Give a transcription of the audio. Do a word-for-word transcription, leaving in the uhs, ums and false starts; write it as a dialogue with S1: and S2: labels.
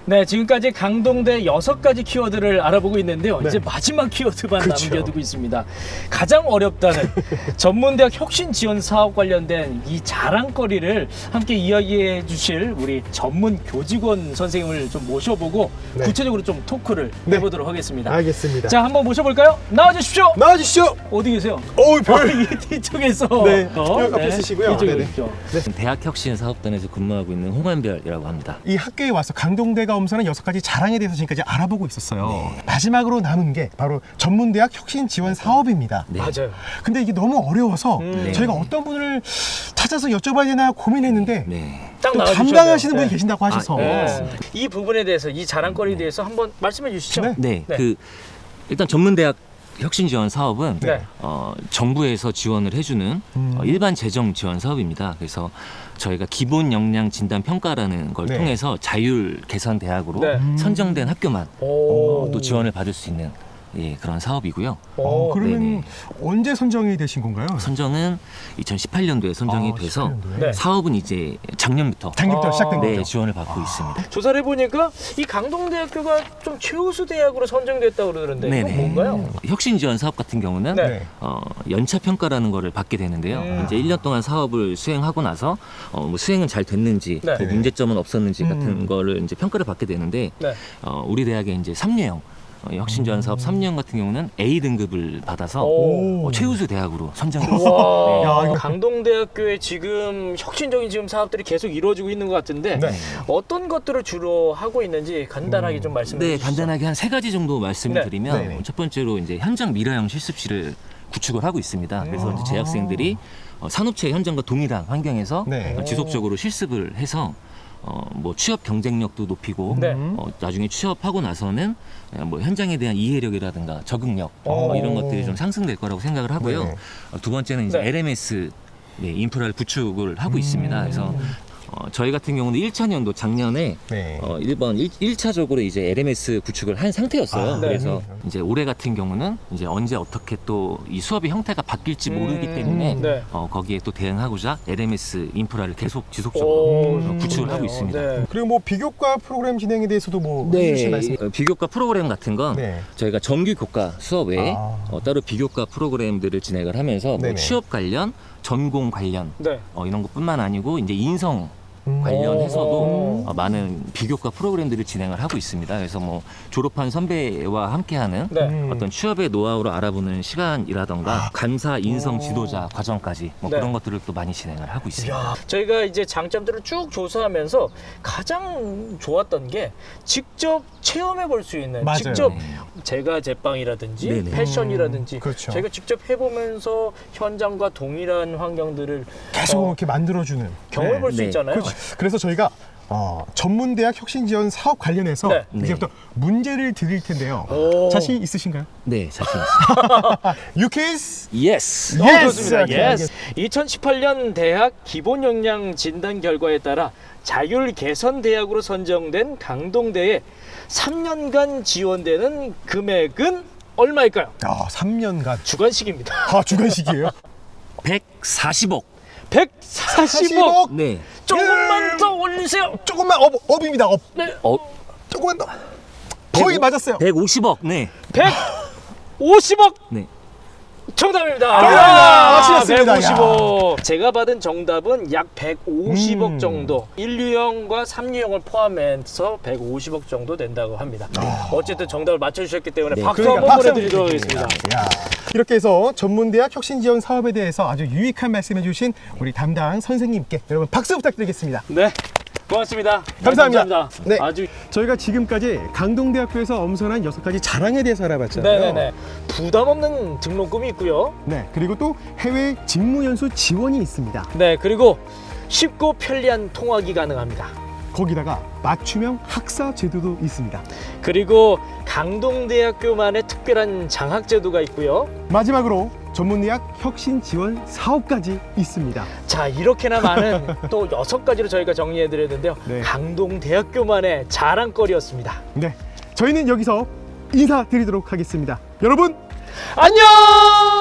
S1: 네, 지금까지 강동대 여섯 가지 키워드를 알아보고 있는데요.
S2: 네.
S1: 이제 마지막 키워드만
S2: 그렇죠.
S1: 남겨두고 있습니다. 가장 어렵다는 전문대학 혁신 지원 사업 관련된 이 자랑거리를 함께 이야기해 주실 우리 전문 교직원 선생님을 좀 모셔보고
S2: 네.
S1: 구체적으로 좀 토크를
S2: 네.
S1: 해보도록 하겠습니다.
S2: 알겠습니다.
S1: 자, 한번 모셔볼까요? 나와주십시오.
S2: 나와주시죠.
S1: 어디 계세요?
S2: 어우, 별.
S1: 이 뒤쪽에서.
S2: 네,
S1: 어,
S2: 여기 앞에 쓰시고요.
S1: 이쪽에
S2: 네네.
S1: 있죠.
S3: 대학혁신사업단에서 근무하고 있는 홍한별이라고 합니다.
S2: 이 학교에 와서 강동대가 엄선한 여섯 가지 자랑에 대해서 지금까지 알아보고 있었어요.
S3: 네.
S2: 마지막으로 남은 게 바로 전문대학 혁신 지원 사업입니다.
S3: 네.
S1: 맞아요.
S2: 근데 이게 너무 어려워서
S1: 음.
S2: 저희가 어떤 분을 찾아서 여쭤봐야 되나 고민했는데
S3: 네.
S1: 딱
S2: 또
S1: 나와주셔야
S2: 담당하시는
S1: 돼요.
S2: 분이
S1: 네.
S2: 계신다고 하셔서
S3: 아, 네.
S1: 네. 이 부분에 대해서 이 자랑거리에 대해서 한번 말씀해 주시죠.
S2: 네.
S3: 네.
S1: 네.
S3: 그 일단 전문대학 혁신 지원 사업은
S1: 네.
S3: 어, 정부에서 지원을 해주는
S2: 음.
S3: 어, 일반 재정 지원 사업입니다. 그래서 저희가 기본 역량 진단 평가라는 걸
S2: 네.
S3: 통해서 자율 개선 대학으로
S1: 네.
S3: 선정된 학교만
S1: 오.
S3: 어, 또 지원을 받을 수 있는 예, 그런 사업이고요.
S2: 어,
S1: 오.
S2: 그러면
S3: 네네.
S2: 언제 선정이 되신 건가요?
S3: 선정은 이천십팔 년도에 선정이
S2: 아,
S3: 돼서
S2: 십팔 년도에.
S1: 네.
S3: 사업은 이제 작년부터
S2: 작년부터
S1: 아.
S2: 시작된
S3: 네,
S2: 거죠?
S3: 지원을 받고 있습니다.
S1: 조사를 해보니까 이 강동대학교가 좀 최우수 대학으로 선정됐다고 그러는데 이건
S3: 네네.
S1: 뭔가요?
S3: 혁신 지원 사업 같은 경우는
S1: 네.
S3: 어, 연차 평가라는 거를 받게 되는데요.
S1: 음.
S3: 이제 일 년 동안 사업을 수행하고 나서 어, 뭐 수행은 잘 됐는지,
S1: 네.
S3: 뭐 문제점은 없었는지
S2: 음.
S3: 같은 거를 이제 평가를 받게 되는데
S1: 네.
S3: 어, 우리 대학의 이제 삼 류형 어, 혁신 지원 사업 삼 류형 같은 경우는 A 등급을 받아서
S1: 오.
S3: 어, 최우수 대학으로 선정됐습니다.
S1: 와,
S2: 야, 이거-
S1: 강동대학교에 지금 혁신적인 지금 사업들이 계속 이루어지고 있는 것 같은데
S2: 네.
S1: 어떤 것들을 주로 하고 있는지 간단하게 좀 말씀해
S3: 네,
S1: 주시죠.
S3: 간단하게 한 세 가지 정도 말씀을
S1: 네.
S3: 드리면
S2: 네네.
S3: 첫 번째로 이제 현장 미래형 실습실을 구축을 하고 있습니다. 그래서 이제 재학생들이 어, 산업체 현장과 동일한 환경에서
S2: 네.
S3: 어, 지속적으로 실습을 해서 어, 뭐 취업 경쟁력도 높이고
S1: 네.
S3: 어, 나중에 취업하고 나서는 어, 뭐 현장에 대한 이해력이라든가 적응력 어,
S1: 오.
S3: 이런 것들이 좀 상승될 거라고 생각을 하고요.
S2: 네.
S3: 어, 두 번째는 이제
S1: 네.
S3: 엘엠에스 네, 인프라를 구축을 하고 있습니다. 그래서 어, 저희 같은 경우는 일 차 년도 작년에
S2: 네.
S3: 어, 일 번 일 차적으로 이제 엘엠에스 구축을 한 상태였어요.
S2: 아,
S3: 그래서
S2: 네.
S3: 이제 올해 같은 경우는 이제 언제 어떻게 또 이 수업의 형태가 바뀔지 모르기
S1: 음,
S3: 때문에
S1: 네.
S3: 어, 거기에 또 대응하고자 엘엠에스 인프라를 계속
S1: 오,
S3: 지속적으로 어, 구축을 하고
S1: 좋네요.
S3: 있습니다.
S1: 네.
S2: 그리고 뭐 비교과 프로그램 진행에 대해서도 뭐 해주실 말씀.
S3: 어, 비교과 프로그램 같은 건
S2: 네.
S3: 저희가 정규 교과 수업 외에
S2: 아.
S3: 어, 따로 비교과 프로그램들을 진행을 하면서 뭐
S2: 네네.
S3: 취업 관련, 전공 관련
S1: 네.
S3: 어, 이런 것뿐만 아니고 이제 인성
S2: 음.
S3: 관련해서도
S1: 오.
S3: 어, 많은 비교과 프로그램들을 진행을 하고 있습니다. 그래서 뭐 졸업한 선배와 함께하는
S1: 네.
S2: 음.
S3: 어떤 취업의 노하우를 알아보는 시간이라던가 감사 인성
S1: 오.
S3: 지도자 과정까지 뭐
S1: 네.
S3: 그런 것들을 또 많이 진행을 하고 있습니다.
S1: 야, 저희가 이제 장점들을 쭉 조사하면서 가장 좋았던 게 직접 체험해 볼 수 있는
S2: 맞아요.
S1: 직접
S3: 네.
S1: 제가 제빵이라든지
S3: 네네.
S1: 패션이라든지
S2: 음, 그렇죠.
S1: 저희가 직접 해보면서 현장과 동일한 환경들을
S2: 계속
S1: 어,
S2: 이렇게 만들어주는
S1: 경험해
S2: 네.
S1: 볼 수
S3: 네.
S1: 있잖아요.
S2: 그렇죠. 그래서 저희가 어, 전문대학 혁신지원 사업 관련해서
S1: 네.
S2: 이제부터 문제를 드릴 텐데요.
S1: 오.
S2: 자신 있으신가요?
S3: 네, 자신 있습니다.
S2: 유케이스
S3: 예스.
S1: 어,
S2: Yes!
S1: 좋습니다.
S2: 오케이,
S1: 예스. 이천십팔 년 대학 기본 역량 진단 결과에 따라 자율 개선 대학으로 선정된 강동대에 삼 년간 지원되는 금액은 얼마일까요?
S2: 아, 삼 년간
S1: 주관식입니다.
S2: 아, 주관식이에요?
S3: 백사십억.
S1: 백사십억.
S3: 네.
S1: 조금만 더 올리세요.
S2: 조금만 업, 업입니다. 업.
S1: 네.
S3: 어,
S2: 조금만 더. 거의 맞았어요.
S3: 백오십억. 네.
S1: 백오십억.
S3: 네.
S1: 정답입니다.
S2: 정답입니다. 맞추셨습니다.
S1: 백오십억. 제가 받은 정답은 약 백오십억
S2: 음.
S1: 정도. 일 류형과 삼 류형을 포함해서 백오십억 정도 된다고 합니다. 어쨌든 정답을 맞춰주셨기 때문에
S3: 네.
S1: 박수
S2: 그러니까
S1: 한번
S2: 박수
S1: 보내드리도록
S2: 한번
S1: 하겠습니다.
S2: 드리겠습니다. 야. 이렇게 해서 전문대학 혁신지원 사업에 대해서 아주 유익한 말씀해 주신 우리 담당 선생님께 여러분 박수 부탁드리겠습니다.
S1: 네. 고맙습니다.
S2: 감사합니다.
S1: 네, 감사합니다.
S2: 네.
S1: 아주
S2: 저희가 지금까지 강동대학교에서 엄선한 여섯 가지 자랑에 대해서 알아봤잖아요.
S1: 네네네. 부담 없는 등록금이 있고요.
S2: 네, 그리고 또 해외 직무연수 지원이 있습니다.
S1: 네, 그리고 쉽고 편리한 통학이 가능합니다.
S2: 거기다가 맞춤형 학사 제도도 있습니다.
S1: 그리고 강동대학교만의 특별한 장학 제도가 있고요.
S2: 마지막으로 전문대학 혁신 지원 사업까지 있습니다.
S1: 자, 이렇게나 많은 또 여섯 가지로 저희가 정리해 드렸는데요.
S2: 네.
S1: 강동대학교만의 자랑거리였습니다.
S2: 네, 저희는 여기서 인사드리도록 하겠습니다. 여러분
S1: 안녕!